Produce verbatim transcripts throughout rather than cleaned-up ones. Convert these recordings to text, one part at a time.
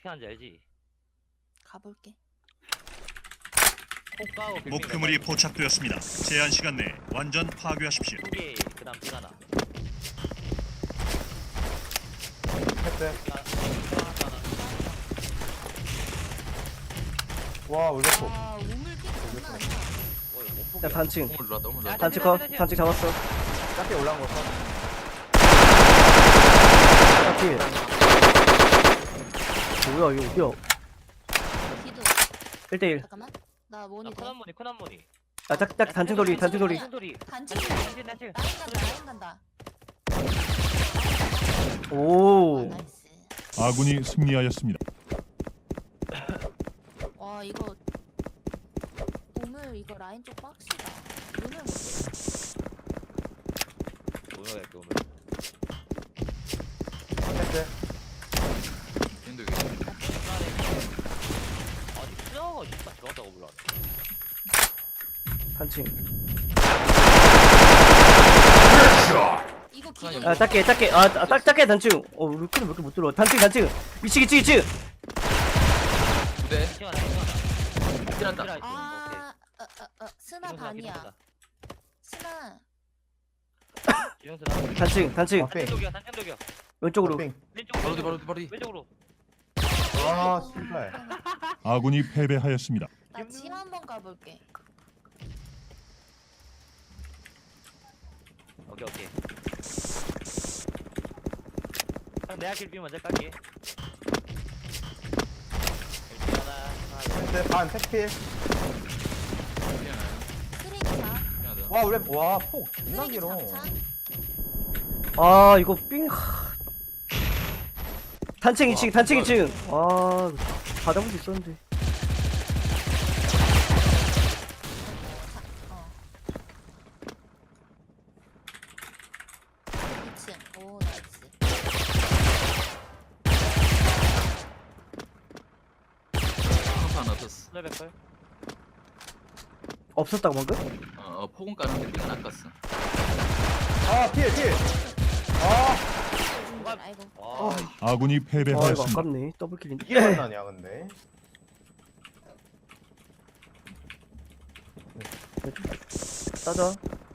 하는지 알지? 가볼게. 목표물이 포착되었습니다. 제한 시간 내에 완전 파괴하십시오. 두개 그다음 핑 하나. 패스. 와 울렸어. 아 우물킥 장난 아니야. 야 단층 똥을 눌렀다 똥을 눌렀다. 단층 컷 단층 잡았어. 짧게 올라온 거 써. 딱히 뭐야 이거 어디야? 기도. 일 대일. 잠깐만. 나 아, 모니 돼. 코난모니 코난모니. 아 딱 딱 단층 돌리 단층 돌리. 단층 소리. 단층. 단층 단층. 라인 간다. 라인 간다. 오. 아, 나이스. 아군이 승리하였습니다. 와 이거 우물 이거 라인 쪽 빡시다. 우물 못해. 뭐야 이렇게 오늘. 패스. 윈도 여기. 아니 수영아 진짜 들어갔다고 몰라. 단층. 이거 기도. 아 작게 작게 아딱 작게 단층. 어 루키는 몇 개 못 들어. 단층 단층. 이층 이층 이층. 두대. 시원하 시원하. 찔한다. 아, 어, 어, 어, 스나 반이야. 스나. 지영수나. 단층 단층. 빙. 단층독이야 단층독이야. 왼쪽으로. 빙. 왼쪽으로. 바로 뒤 바로 뒤 바로 뒤. 왼쪽으로. 아 씨발. 아군이 패배하였습니다. 나집 한번 가볼게. 오케이 오케이. 형 내가 길비 먼저 깔게. 일단 하나 하나. 패스 반 패스필. 미안해요. 쓰레기차. 미안하다. 와 울렸. 와폭 존나 쓰레기 길어. 사차. 아 이거 삥. 하. 단층 이층 단층 이층. 아 받아볼 수 있었는데. 어. 이 층. 오 나이스. 항상 하나 떴어. 레벨컬. 없었다고 방금? 어, 어 폭은 까는데 빙은 안 깠어. 아 필 필. 아 아이고. 와. 아군이 아 이거 패배하였습니다. 아깝네. 더블킬인데. 이게 만나냐 근데. 따자.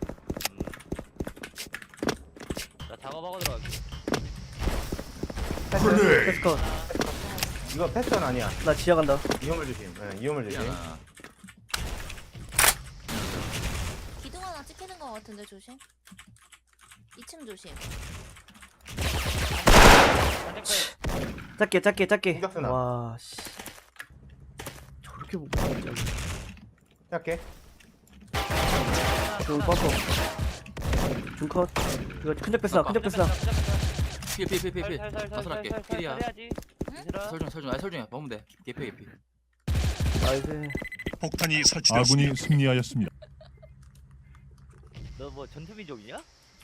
나 작업하고 들어갈게. 패스. 패스 컷. 이거 패스는 아니야. 나 지하 간다. 이용을 조심. 네, 이용을 조심. 미안하. 기둥 하나 찍히는 거 같은데 조심. 이 층 조심. 단층컬. 작게 작게 작게. 공격수나. 와 씨. 저렇게 보고 진짜. 짧게. 그 버퍼. 중컷. 이거 큰적 뺐으나 큰적 뺐으나. 필필필필필. 나선할게. 필이야. 해야지. 얘들아. 설중 설중. 아 설중이야. 먹으면 돼. 개피 개피. 나이스. 폭탄이 설치되었습니다. 아군이 승리하였습니다. 너 뭐 전투민족이냐?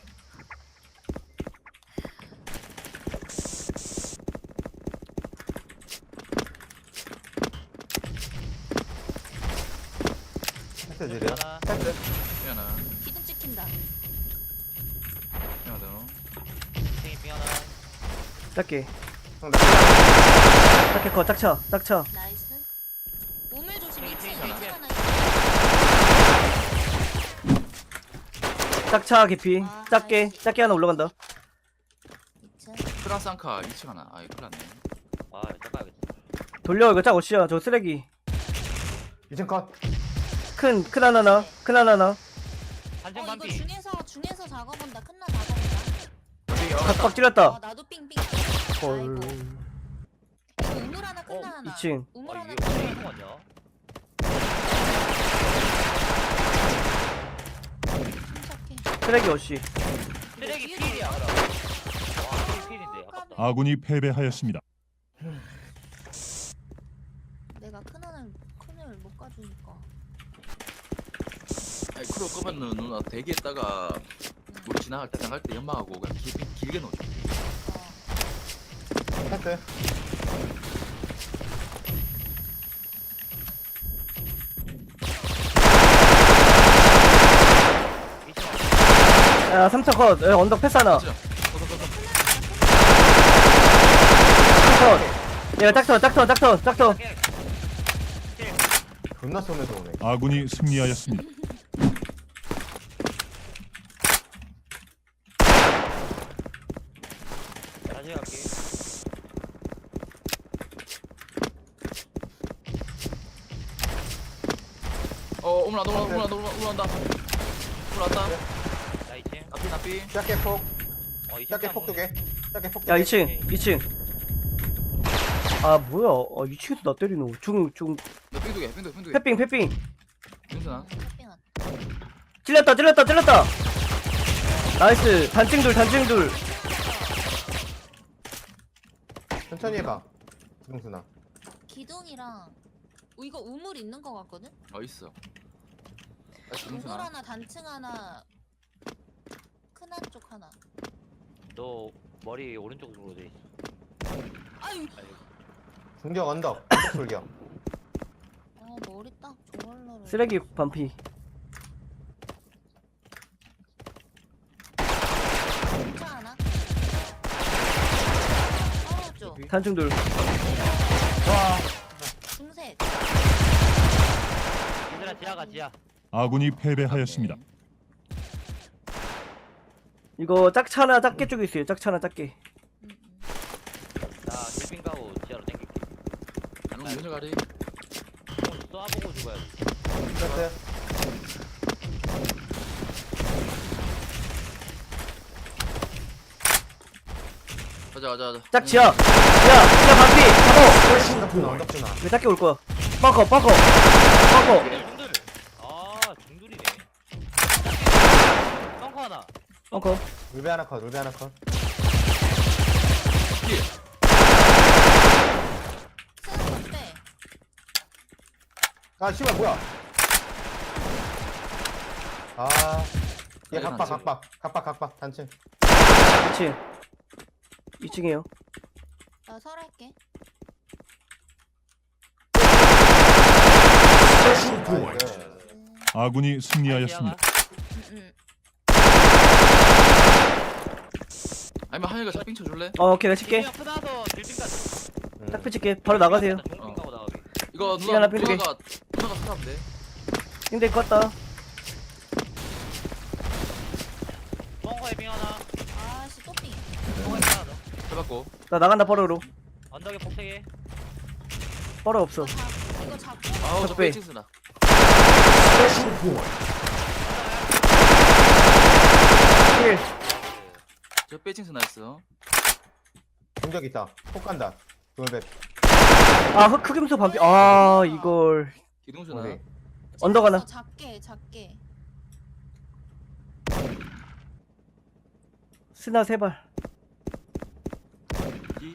패스 드려. 하나. 패스. 미안하. 기둥 찍힌다. 미안하다. 핑이 핑 하나. 작게. 형, 나 작게 컷 짝쳐 짝쳐. 나이스. 우물 조심. 이 층. 이 층 하나. 하나. 짝차 개피. 작게 작게 하나 올라간다. 이 층. 프랑스앙카 이 층 하나. 아이 큰일 났네. 아 잠깐만. 돌려 이거 짝 어시야 저 쓰레기. 이층 컷. 큰 큰 하나나 큰 하나나. 단층 어 이거 반피. 중에서 중에서 작업한다. 큰나 작업한다. 각각 어 찔렀다. 나도 삥삥. 헐. 아이고. 이거 우물 하나 큰나 어, 하나. 이 층. 우물 아 하나 이게 큰나 왜 하나. 이거 아니야? 침착해. 쓰레기 어시. 쓰레기 뒤에 필이야. 돌려. 그럼. 와 쓰레기 필인데 아깝다. 아군이 패배하였습니다. 내가 큰 하나를 큰을 못 가주니까. 아이 크로 끄면 누나 대기했다가 우리 지나갈 때 나갈 때 연막하고 그냥 길, 길게 놓죠. 어. 패스. 야 삼 차 컷. 야, 언덕 패스 하나. 진짜. 컷. 얘가 짝터 짝터 짝터 짝터. 존나 쏘면서 오네. 아군이 승리하였습니다. 다시 갈게. 어 올라온다 올라온다 올라온다 올라온다 올라왔다. 나 이 층. 나삐 나삐. 짧게 폭. 어, 이 층 짧게 딱 폭 두 개. 짧게 폭 두 야 개. 이 층 이 층. 아 뭐야? 아 이 층에서 나 때리노. 중중 너 빙두개 빙두개 빙두개. 패핑 패핑. 윤선아. 쇼핑한. 찔렸다 찔렸다 찔렸다. 나이스. 단층 둘 단층 둘. 천천히 해봐. 김승순아. 기둥이랑 어, 이거 우물 있는 거 같거든? 어 있어. 아 우물 윤선아. 하나 단층 하나 큰 한 쪽 하나. 너 머리 오른쪽으로 돼 있어. 아유. 중격 언덕. 언덕 돌격. 아 머리 딱 저걸로를. 쓰레기 반피. 진짜 하나? 떨어져. 단층 둘. 중셋. 얘들아 지하가 지하. 아군이 패배하였습니다. 이거 짝차나 짝게 쪽에 있어요. 짝차나 짝게. 음, 음. 나 딜빙 가고 지하로 땡길게. 안녕 윤선 가리. 총 쏴보고 죽어야지. 됐어요. 가자 가자 가자. 짝 지하. 지하 지하 반피. 잡어. 언덕 주나 언덕 주나. 왜 짝게 올 거야? 빡커 빡커 빡커. 중들 중들. 아 중들이네. 펑커 하나. 빡커. 울베 하나 컷. 울베 하나 컷. 뒤에. 쓰는 건데. 아 씨발 뭐야? 아. 얘 아니, 각박 단층. 각박 각박 각박 단층. 이 층. 이 층이에요. 나 설할게. 나이스. 음, 아군이 승리하였습니다. 음, 음. 아니면 하늘가 샷빙 쳐줄래? 어 오케이 나 칠게. 그냥 크나서 딜빙 가자. 음. 딱 펼칠게. 바로 나가세요. 딜빙 가고 나가게. 이거 시간 누나 앞에 두개. 누나가 누나가 살아면 돼. 힘들 것 같다. 펑커에 빙 하나. 아씨 또삥. 펑커에 빙 하나 더. 해봤고. 나 나간다 뻐러로. 언덕에 폭세개. 뻐러 없어. 이거 잡 이거 잡고. 아우 저 적배. 빼칭스나. 힐. 저 빼칭스나 했어. 중격 있다. 폭 간다. 울베. 아 흑- 흑임소 반피. 아 이걸 기둥수나. 어디? 언덕 하나. 작게 작게. 스나 세 발. 이.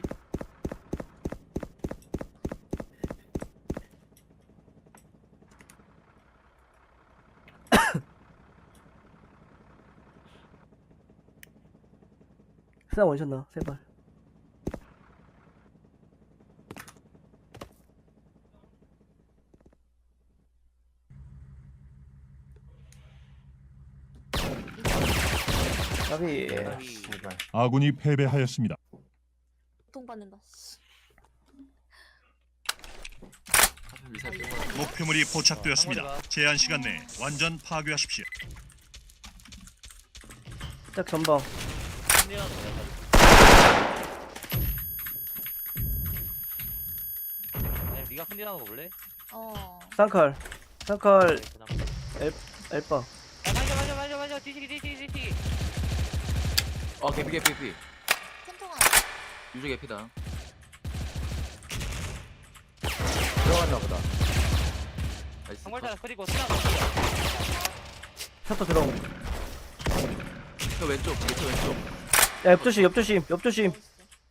스나 원샷나 세 발. 나비. 예. 씨발. 아군이 패배하였습니다. 돈 받는다. 씨. 하필 미사일 빼고. 목표물이 포착되었습니다. 제한 시간 내에 완전 파괴하십시오. 짝 전방. 힘내라는 거야. 아니 네가 흔들하는 거 볼래? 어. 쌍칼. 쌍칼 그냥. 엘바. 아, 맞아 맞아 맞아 맞아 뒤치기 뒤치기 뒤치기. 어 개피 개피 개피. 큰통 하나. 유저 개피다. 들어갔나 보다. 나이스. 정말잘 그리고 스나 셔터 들어옴. 저 왼쪽 저 왼쪽. 야 옆조심 옆조심 옆조심. 나이스.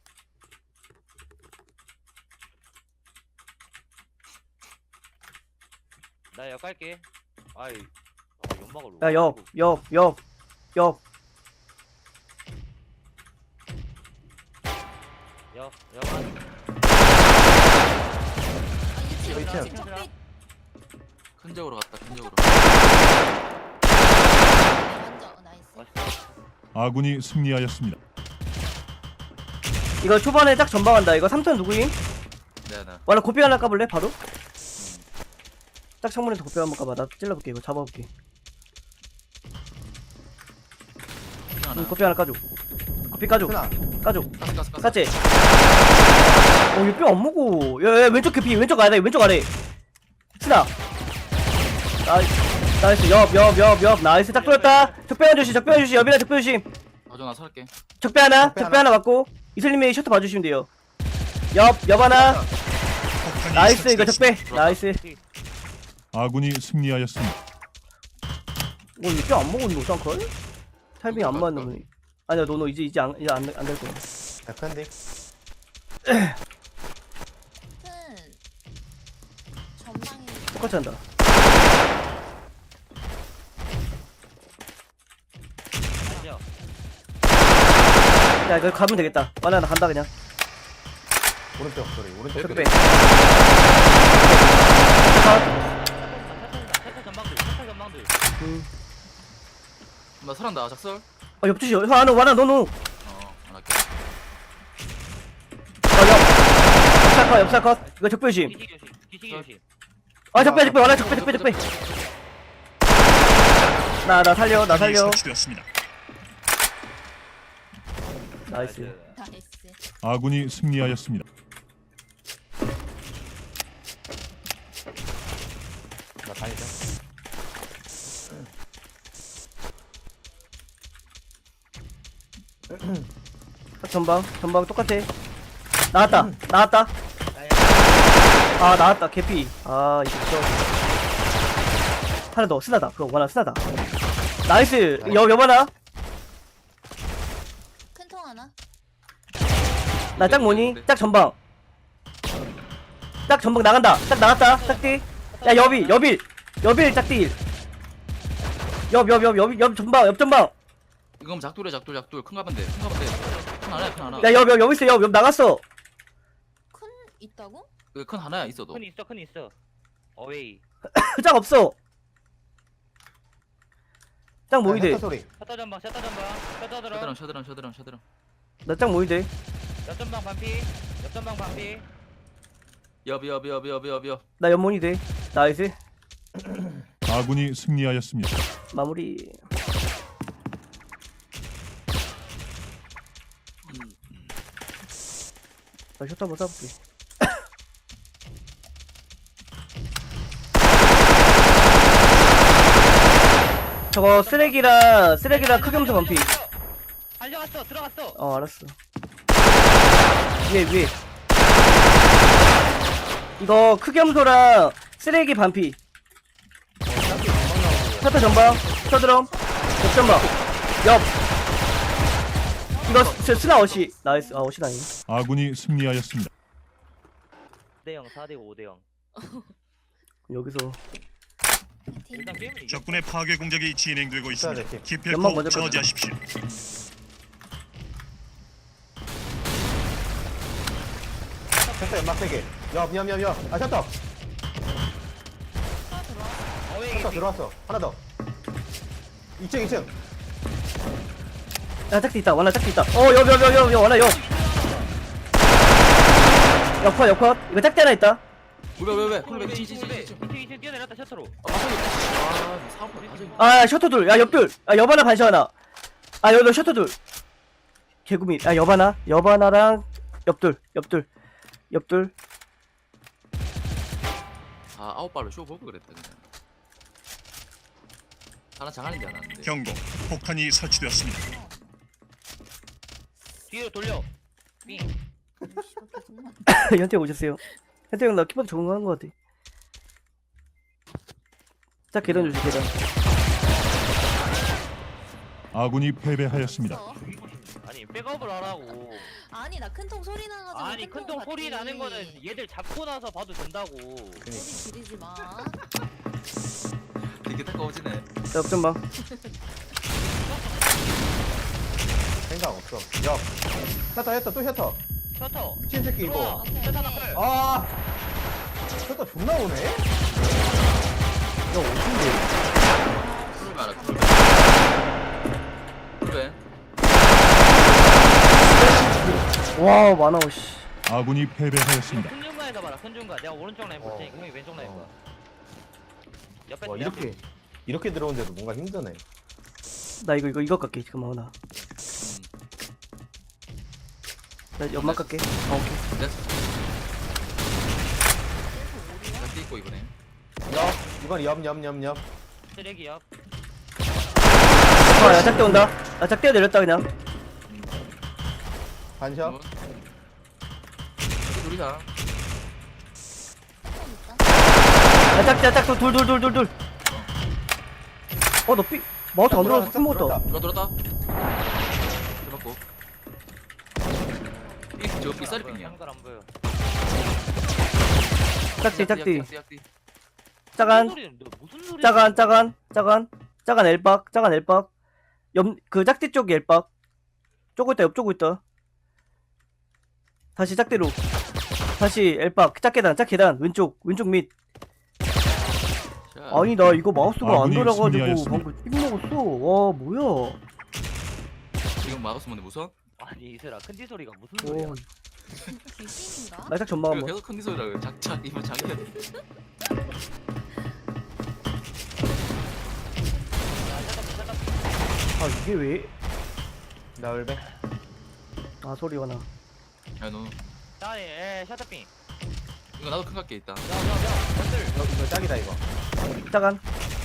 나 역갈게. 아이 아, 연막을 야 옆 옆 옆 옆. 역 역한. 아, 이층, 이층. 이층 적배. 큰 적으로 갔다 큰 적으로. 먼저 어, 나이스. 맛있어. 아군이 승리하였습니다. 이거 초반에 딱 전방한다. 이거 삼 턴 누구임? 내가 나. 와나 고삐 하나 까볼래 바로? 딱 창문에서 고삐 한번 까봐. 나 찔러볼게. 이거 잡아볼게. 하나. 응, 고삐 하나 까줘. 고삐 까줘. 하나. 까줘. 가스 가스 가스. 깠지? 어, 얘 뼈 안 먹어. 야, 야, 왼쪽 개피, 왼쪽 아래, 왼쪽 아래. 스나. 나이스, 나이스, 옆, 옆, 옆, 옆. 나이스, 딱 뚫었다. 적배 하나 조심, 적배 하나 조심, 옆이나 적배 조심. 가져 나 살게. 적배 하나, 적배 적배 하나. 하나 맞고. 이슬님이 셔터 봐주시면 돼요. 옆, 옆 하나. 폭탄이 나이스, 이거 적배. 설치되었습니다. 나이스. 아군이 승리하였습니다. 어, 얘 뼈 안 먹었는데, 어떡할? 타이밍 안 맞는 놈이. 아니야, 너, 너 이제, 이제 안, 이제 안, 안 될 거야. 약한데. 큰 전망이 똑같이 한다. 아니요. 야, 이거 가면 되겠다. 만나, 나 간다, 그냥. 오른쪽 소리. 오른쪽 적배. 소리. 차차 전방들, 차차 전방들. 음. 나 살았다 작설. 어, 옆 주시, 형, 하나, 와나, 너, 너. 어 안 할게. 어, 옆. 옆살 컷, 옆살 컷. 이거 적배 조심. 기식 조심, 기식 조심. 아, 적배, 적배, 와나, 적배, 적배, 적배. 나, 나 살려, 나 폭탄이 살려. 설치되었습니다. 나이스. 나이스. 아군이 승리하였습니다. 나 다니자. 딱 전방, 전방 똑같아. 나왔다, 나왔다. 아, 나왔다, 개피. 아, 이거 진짜. 하나 더, 스나다. 그거 원하 스나다. 나이스. 여, 여봐라. 큰 통 하나. 나 짝 뭐니? 짝 전방. 짝 전방 나간다. 짝 나갔다. 짝띠. 야, 여비, 여빌. 여빌, 짝띠. 옆, 옆, 옆, 옆, 옆 전방, 옆 전방. 이건 작돌이야 작돌 작돌. 큰 가면 돼. 큰 가면 돼. 큰 하나야 큰 하나. 야, 옆, 옆, 옆 있어. 옆, 옆 나갔어. 큰 있다고? 여기 큰 하나야 있어도. 큰 있어, 큰 있어. 어웨이. 짝 없어. 짝 모이 돼. 셔터 소리. 셔터 전방, 셔터 전방, 셔터 들어. 셔드랑 셔드랑 셔드랑 셔드랑. 나 짝 모이 돼. 옆 전방 반피, 옆 전방 반피. 여비 여비 여비 여비 여비 여. 나 연몬이 돼. 나이스. 아군이 승리하였습니다. 마무리. 나 셔터 한번 쏴볼게. 저거 쓰레기랑 쓰레기랑 크겸수 반피. 달려갔어, 들어갔어. 어, 알았어. 위에 위에. 이거 크겸소랑 쓰레기 반피. 셔터 전방, 셔드럼, 옆 전방, 옆. 이거 스- 스나 어시. 나이스. 아, 어시 아니. 아군이 승리하였습니다. 사 대 영, 사 대 오 대 영. 여기서 일단 게임은 이겨. 적군의 파괴 공작이 진행되고 있습니다. 네, 연막 기필코 먼저 저지하십시오. 셔터 연막 세 개. 옆, 옆, 옆, 옆. 아, 셔터. 하나 들어와. 어웨이 셔터 개피. 들어왔어. 하나 더. 이 층, 이 층. 야, 짝지 있다. 원나 짝지 있다. 어, 옆, 옆, 옆, 옆, 옆, 원나 옆. 옆컷, 옆컷. 이거 짝지 하나 있다. 왜왜 왜? 쿨백 지지지 네, 지. 이층 이층 뛰어내렸다 셔터로. 아 맞아. 아 사고 맞아. 아, 셔터 둘. 야, 옆 둘. 아, 옆 하나 반시 하나. 아, 여기 셔터 둘. 개구미. 아, 옆 하나. 옆 하나랑 옆 둘. 옆 둘. 옆 둘. 아 아홉 발로 쇼 보고 그랬다 그냥. 하나 장안인 줄 알았는데. 경고. 폭탄이 설치되었습니다. 뒤로 돌려. 삥. 씨발 계속 만. 현태 오셨어요. 현태 형 나 키보드 적응한 것 같아. 자, 계단 주시 계단. 아군이 패배하였습니다. 없어. 아니 백업을 하라고. 아니 나 큰 통 소리 나가지고. 아니 큰 통 소리 나는 거는 얘들 잡고 나서 봐도 된다고. 소리 지르지 마. 되게 따가워지네. 자, 옆 전방. 생각 없어. 옆. 셔터, 셔터, 또 셔터. 셔터. 미친 새끼 들어와. 이거. 오케이, 셔터 오케이. 나클. 아. 셔터 존나 오네. 이거 어딘데? 쿨백 알아 쿨백. 쿨백. 와, 많아, 씨. 아군이 패배하였습니다. 승률만에서 손준가 내가 오른쪽 라인 볼 어. 테니까 형이 왼쪽 라인 봐. 어. 옆에 와 내 앞에. 이렇게 이렇게 들어오는데도 뭔가 힘드네. 나 이거 이거 이거 깎게 지금 하나. 음. 나 연막 깎게. 아 오케이. 됐어. 나 뛰고 이번에. 옆 이건 옆옆옆옆. 쓰레기 옆. 아, 야 짝대 온다. 아 짝대 내렸다 그냥. 음. 반샷. 여기 둘이다. 큰 있다. 야 짝대 짝대 둘둘둘둘둘. 어너 삐. 마우스 안 들어와서 큰 먹었다. 들어 들었다. 들었고. 이저 삐싸리 빙이야. 한걸 안 보여. 짝대 짝대. 약대, 약대. 짜간. 무슨 소리야? 너 무슨 소리야? 짜간 짜간 짜간 짜간 엘박 짜간 엘박. 옆그 짝대 쪽 엘박. 쪼고 있다 옆 쪼고 있다. 다시 짝대로. 다시 엘박 짝계단 짝계단 왼쪽 왼쪽 밑. 자, 아니 나 이거 마우스가 안 아군이 돌아가지고 승리하였습니다. 방금 삑 먹었어. 와 뭐야? 지금 마우스 뭔데 무서워? 아니 이슬아 큰지 소리가 무슨 소리야? 오, 귀신인가? 나짝 전망 이거 한번. 계속 컨디 소리라 작작 이거 장기야. 아 이게 왜? 나 울배. 아 소리가 나. 야너 아니 에 셔터핑. 이거 나도 큰 각게 있다. 야야야 형들. 이거, 이거 짝이다 이거. 짜간.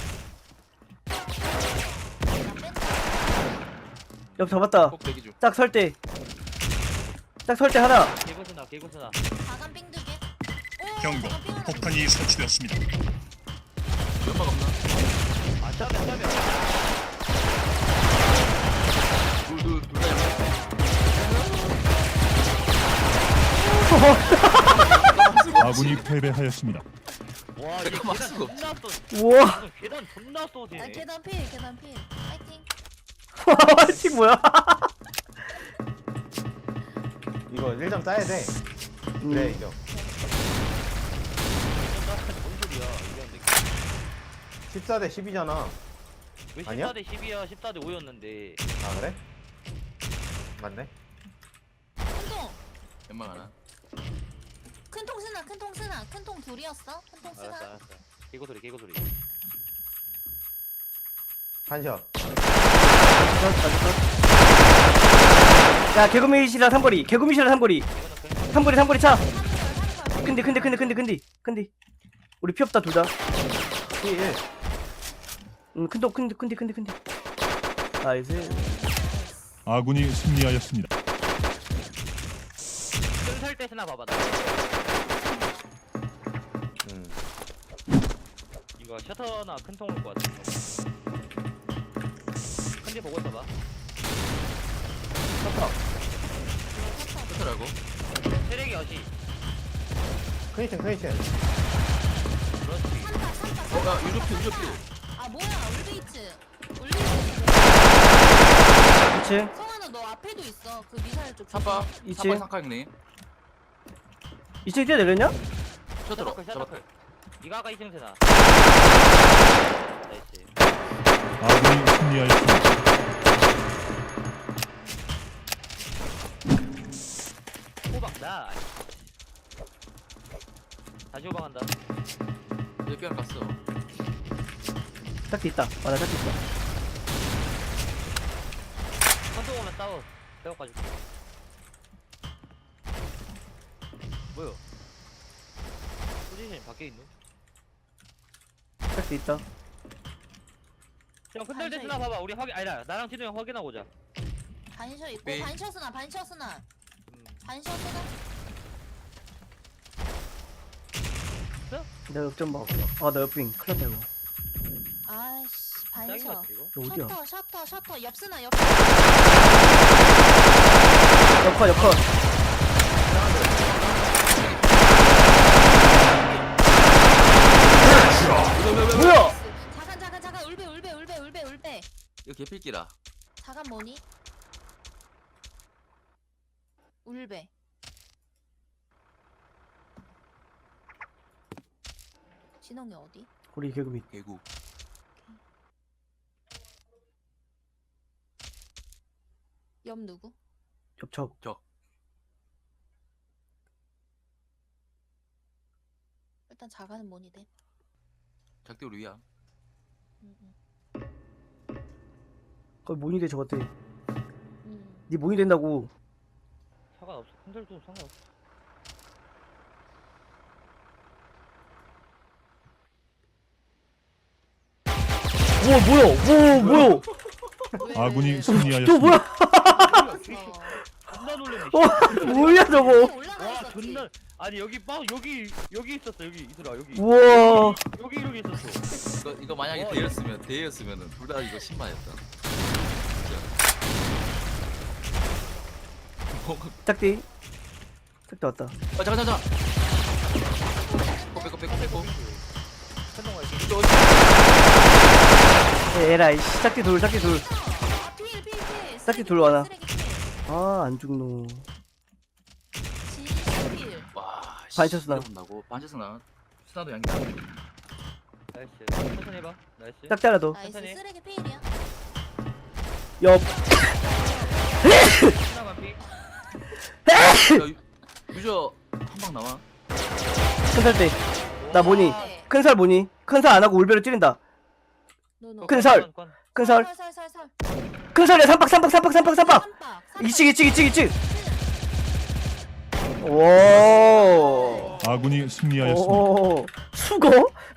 나 뺀다. 옆 잡았다. 꼭 대기 중. 짝 설대. 짝 설대 하나. 개구스나 개구스나. 자간 삥 두 개. 오, 경고. 자간 삥 하나. 폭탄이 설치되었습니다. 연막 없나? 아 짜면 짜면. 둘둘둘다 연막. 아군이 패배하였습니다. 와 이게 잠깐만, 계단 수가 존나 쏘. 우와. 무슨 계단 존나 쏘지. 아, 계단 필, 계단 필. 파이팅. 씨 뭐야? 이거 일 점 짜야 돼. 음. 그래 이겨. 뭔 소리야? 이겼는데. 십사 대 십이잖아. 왜 아니야? 십사 대 십이야? 십사 대 오였는데. 아 그래? 맞네. 큰 통. 연막 하나. 큰 통 쓰나, 큰 통 쓰나. 큰 통 둘이었어? 큰 통 알았어 쓰나? 알았어. 개구 소리 개구 소리. 반샷. 야 개구미시라 삼거리. 개구미시라 삼거리. 이거는 그 삼거리 삼거리 차. 삼 번, 삼 번. 근데 근데 근데 근데 근데 근데 우리 피 없다 둘 다. 피 일. 음 큰도 큰데 큰데 큰데 큰데. 나이스. 아군이 승리하였습니다. 끈살 때 쓰나 봐봐. 나. 음. 이거 셔터나 큰 통 올 것 같아. 큰지 보고 있어봐. 셔터. 끝으라고. 세력이 어시. 크니튼 크니튼. 그렇지. 삼파, 삼파, 어, 야 삼파, 유조피 삼파. 유조피. 아, 뭐야, 울베이츠. 울베이츠. 이 층. 성환아, 너 앞에도 있어. 그 미사일 쪽. 삼바. 이치. 삼바 삼카 형님. 이 층 뛰어내렸냐? 셔터로 셔터클 잡았다. 셔터클. 이거 아까 이승 세나. 나이스. 아군이 승리하였습니다. 호박 나. 다시 호박한다. 여기 뼈 갔어. 짝대 있다. 아나 짝대 있다. 컨통 오면 싸워. 배워가지고. 뭐야? 포지션이 밖에 있노? 짝대 있다. 형 흔들 때 쓰나 봐봐. 우리 확인 아니다. 나랑 진우 형 확인하고 오자. 반셔 있고, 네. 반셔 쓰나, 반셔 쓰나. 음. 반셔 쓰나? 나 역전 먹었어. 아나 옆빙 큰일 났다 이거. 아이씨, 짱인 반셔. 것 같아 이거. 이거 어디야? 셔터, 셔터, 셔터. 옆 쓰나, 옆 옆컷 옆컷. 뭐야? 자간, 자간, 자간. 울베, 울베, 울베, 울베, 울베. 이거 개필기라. 자간 뭐니? 울베. 진홍이 어디? 우리 개구미 개구. 옆 누구? 옆척. 일단 자가는 뭐니 돼? 작대 우리 위야. 응, 응. 거기 모니 돼 저것들. 응. 네 모니 된다고. 상관없어. 큰절도 상관없어. 우와 뭐야? 우와 뭐야? 왜, 아군이 왜? 또 승리하였습니다. 뭐야? 몰랐어. 존나 놀랬네. 와 뭐야 저거? 위에 올라가 와 있었지. 존나. 아니 여기 빠 여기 여기 있었어 여기 이슬아 여기. 우와. 여기 이렇게 있었어. 이거 이거 만약에 와, 대였으면 대였으면은 둘 다 이거 신마였다. 짝띠. 짝띠 왔다. 아 잠깐 잠깐. 빼고 빼고 빼고. 천둥 갈게. 에라이 씨. 짝띠 둘 짝띠 둘. 아, 필, 필, 필. 짝지 쓰레기 둘 와라. 쓰레기 필. 아 안 죽노. 진짜 필. 와. 반샷 스나. 나고 반샷 스나. 스나도 양이다. 나이스. 천천히 해봐. 나이스. 짝띠 하나 더. 나이스 천천히. 쓰레기 필이야. 옆. 하나만 피. 야, 유- 유저 한 방 나와. 큰살 때. 나 모니. 네. 큰살 모니. 큰살 안 하고 울베로 찌른다. 노노. 큰 살. 건, 건. 큰살. 살, 살, 살, 살. 큰살이야 삼박 삼박 삼박 삼박 삼박. 삼박, 삼박. 이층 이층 이층 이층. 오. 아군이 승리하였습니다. 오. 수거?